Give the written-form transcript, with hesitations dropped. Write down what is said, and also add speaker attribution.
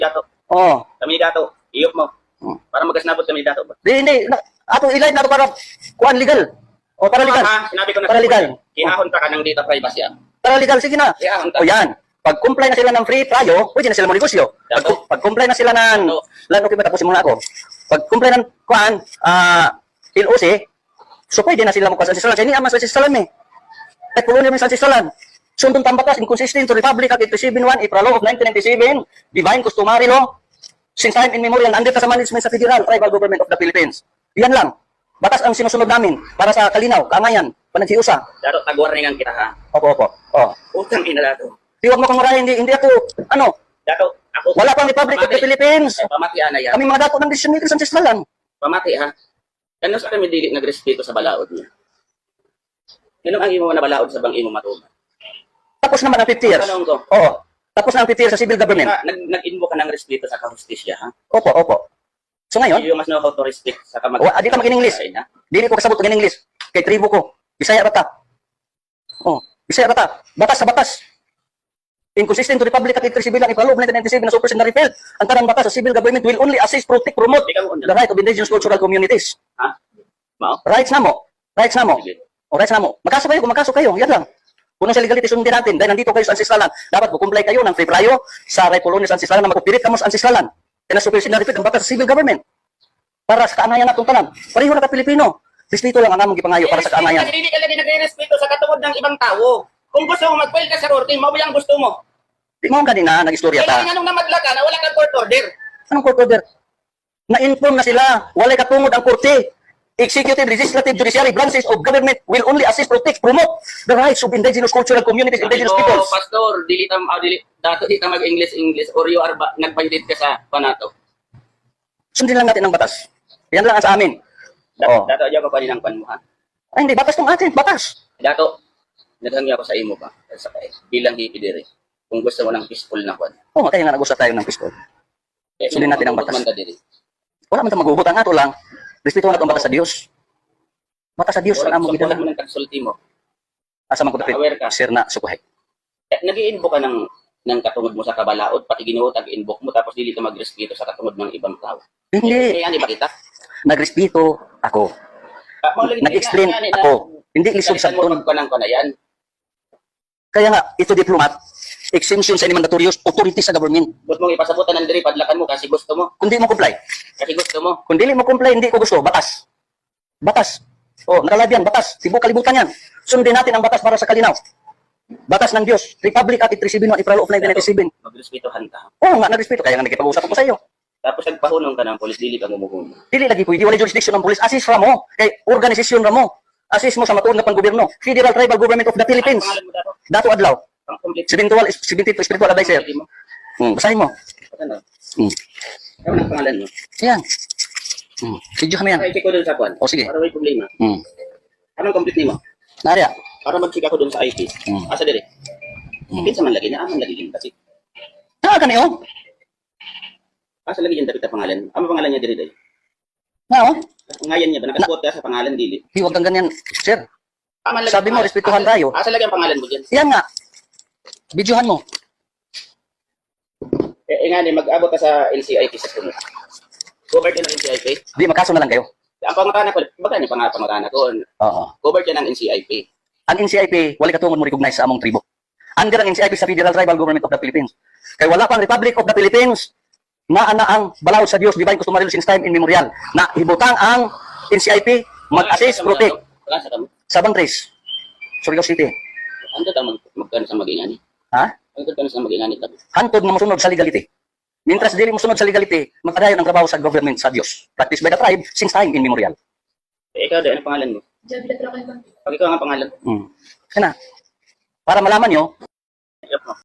Speaker 1: Dato.
Speaker 2: Oh.
Speaker 1: Kami ni Dato. Iyok mo. Para magkasnabot kami ni Dato.
Speaker 2: Hindi. Ato ilay na to para kuan legal. O para legal.
Speaker 1: Sinabi ko na
Speaker 2: Para legal.
Speaker 1: Kinahon pa ka ng data privacy.
Speaker 2: Para legal, sige na.
Speaker 1: Kinahon
Speaker 2: O yan. Pag comply na sila ng free trial, pwede na sila manegosyo. Pag comply na sila ng okay ba, tapusin muna ako. Pag comply ng kuan, LOC, so pwede na sila magkuha sa ancestralan. Kaya hindi naman sa ancestralan eh. Kahit pulo naman sa ancestralan. Sundong tambatas, inconsistent to Republic Act 871, April Law of 1997, Divine Customary Law, since time immemorial, nandito sa management sa Federal Tribal Government of the Philippines. Yan lang. Batas ang sinusunod namin para sa kalinaw, kaangayan, panaghiusa.
Speaker 1: Dato, tagwarningan kita ha.
Speaker 2: Opo.
Speaker 1: Utang ina Dato.
Speaker 2: Di wag mo kong marahin, hindi ako,
Speaker 1: Dato, ako.
Speaker 2: wala pang Republic of the Philippines.
Speaker 1: Pamati ana yan.
Speaker 2: Kami mga dato ng decision makers sa ancestralan.
Speaker 1: Pamati ha. Ano sa kami dili nagrespeto sa balaod niya? Ano ang imo na balaod sa bang imo matuman?
Speaker 2: Tapos naman ang 50 years.
Speaker 1: Tanong ko.
Speaker 2: Oo. Tapos na ang 50 years sa civil government.
Speaker 1: Nag-invoke ka ng respeto sa kahustisya ha?
Speaker 2: Opo. So ngayon,
Speaker 1: You must know how to respect sa kamag...
Speaker 2: di ka mag-English. Dili ko kasabot ng English. Kay tribo ko. Bisaya rata. Bisaya rata. Batas sa batas. Inconsistent to Republic Act 871, April Law of 1997 na super na repealed. Ang tarang batas sa civil government will only assist, protect, promote the right of indigenous cultural communities.
Speaker 1: Ha? Mao?
Speaker 2: Rights na mo. Rights na mo. O rights na mo. Magkaso kayo, kung magkaso kayo. Yan lang. Kung sa legality, sundin natin. Dahil nandito kayo sa ancestralan, dapat comply kayo ng free prior sa right colony sa ancestralan na mag-operate ka mo sa ancestralan. Kaya na super na repealed ang batas sa civil government. Para sa kaanayan natong tanan. Pareho na ka Pilipino. Respeto lang ang among gipangayo para sa kaanayan.
Speaker 1: Hindi ka lagi nagre-respeto sa katungod ng ibang tao. Kung gusto mo mag-file ka sa korte, mo ang gusto mo.
Speaker 2: Di mo kanina, nag-istorya ta.
Speaker 1: Kailangan nung namadla ka na wala kang court order.
Speaker 2: Anong court order? Na-inform na sila. Walay katungod ang korte. Executive, legislative, judiciary branches of government will only assist, protect, promote the rights of indigenous cultural communities, indigenous peoples.
Speaker 1: Pastor, dato di ka mag-English or you are nag-violate ka sa panato.
Speaker 2: Sundin lang natin ang batas. Yan lang ang sa amin.
Speaker 1: Dato, ayaw ka pa rin ang pan mo ha?
Speaker 2: Ay, hindi. Batas tong atin. Batas.
Speaker 1: Dato, naghangya ako sa imo pa. Bilang hipidiri. Kung gusto mo ng peaceful na kwan.
Speaker 2: Oo, kaya nga nag-usap tayo ng pistol. Sundin natin ang batas. Wala man tayong maghugot. Ang ato lang, respeto na itong batas sa Diyos. Batas sa Diyos.
Speaker 1: Wala
Speaker 2: Ang
Speaker 1: mo
Speaker 2: amo
Speaker 1: mo ng konsulti mo.
Speaker 2: asa man ko dapit.
Speaker 1: Aware ka.
Speaker 2: Sir na sukuhay.
Speaker 1: Nag-i-invoke ka ng katungod mo sa kabalaod, pati ginuot ang invoke mo, tapos dili ka magrespeto sa katungod ng ibang tao.
Speaker 2: Hindi.
Speaker 1: Kaya ba kita?
Speaker 2: Nagrespeto ako. Nag-explain ako. Hindi lisod sa ton.
Speaker 1: Magpanang ko na yan.
Speaker 2: Kaya nga, ito diplomat, exemption sa any mandatorious authority sa government.
Speaker 1: Gusto mong ipasabutan ng diri, padlakan mo kasi gusto mo.
Speaker 2: Kung di mo comply.
Speaker 1: Kasi gusto mo.
Speaker 2: Kung dili mo comply, hindi ko gusto. Batas. Batas. Nakalab yan. Batas. Tibo kalibutan yan. Sundin natin ang batas para sa kalinaw. Batas ng Diyos. Republic Act 871, April of 1997.
Speaker 1: Magrespetuhan ka.
Speaker 2: Oo nga, nagrespeto. Kaya nga nagkipag-usap ako sa iyo.
Speaker 1: Tapos nagpahunong ka ng polis, dili ka mumuhunong.
Speaker 2: Dili lagi pwede. Wala jurisdiction ng police. Assist ra mo. Kay organisasyon ra mo. Assist mo sa matuon nga pang-gobyerno. Federal Tribal Government of the Philippines.
Speaker 1: Pangalan mo dato?
Speaker 2: Dato Adlaw.
Speaker 1: Ang complete.
Speaker 2: Spiritual advisor. Basahin mo.
Speaker 1: Ano? Ano ang pangalan mo?
Speaker 2: Yan. Video kami yan.
Speaker 1: I-check ko dun sa kwan.
Speaker 2: O sige.
Speaker 1: Para may problema. Anong complete mo?
Speaker 2: Narya.
Speaker 1: Para mag-check ako dun sa IP. Asa diri? Kinsa man lagi na, aman lagi yun kasi.
Speaker 2: Kaniyo.
Speaker 1: Asa lagi yun dapat ang pangalan? Ano pangalan niya diri dahil? Ngayon niya ba? Nakasuot ka sa pangalan dili?
Speaker 2: Huwag kang ganyan, sir.
Speaker 1: Aman lagi
Speaker 2: Sabi mo,
Speaker 1: pangalan.
Speaker 2: respetuhan tayo.
Speaker 1: Asa lagi ang pangalan mo dyan?
Speaker 2: Yan nga. Videohan mo.
Speaker 1: Nga ni, mag-abot ka sa NCIP sa sunod. Covered ka ng NCIP?
Speaker 2: Di, magkaso na lang kayo.
Speaker 1: Ang pangutana ko, baga ni pangutana ko,
Speaker 2: Oo.
Speaker 1: covered ka ng NCIP.
Speaker 2: Ang NCIP, wala katungod mo recognize sa among tribo. Under ang NCIP sa Federal Tribal Government of the Philippines. Kaya wala pang Republic of the Philippines na ang balaod sa Diyos, divine customary law since time immemorial, na hibutang ang NCIP mag-assist, protect
Speaker 1: Wala sa kamo.
Speaker 2: sa Bangtres, Surigao City.
Speaker 1: Ano ka magkano sa mag-ingani?
Speaker 2: Ha?
Speaker 1: Ano ka sa mag-ingani?
Speaker 2: Hantod na mosunod sa legality. Mintras dili mosunod sa legality, magpadayon ang trabaho sa government sa Diyos. Practiced by the tribe since time immemorial.
Speaker 1: Ikaw, ano pangalan mo? Pag ikaw ang pangalan.
Speaker 2: Kana. Para malaman nyo,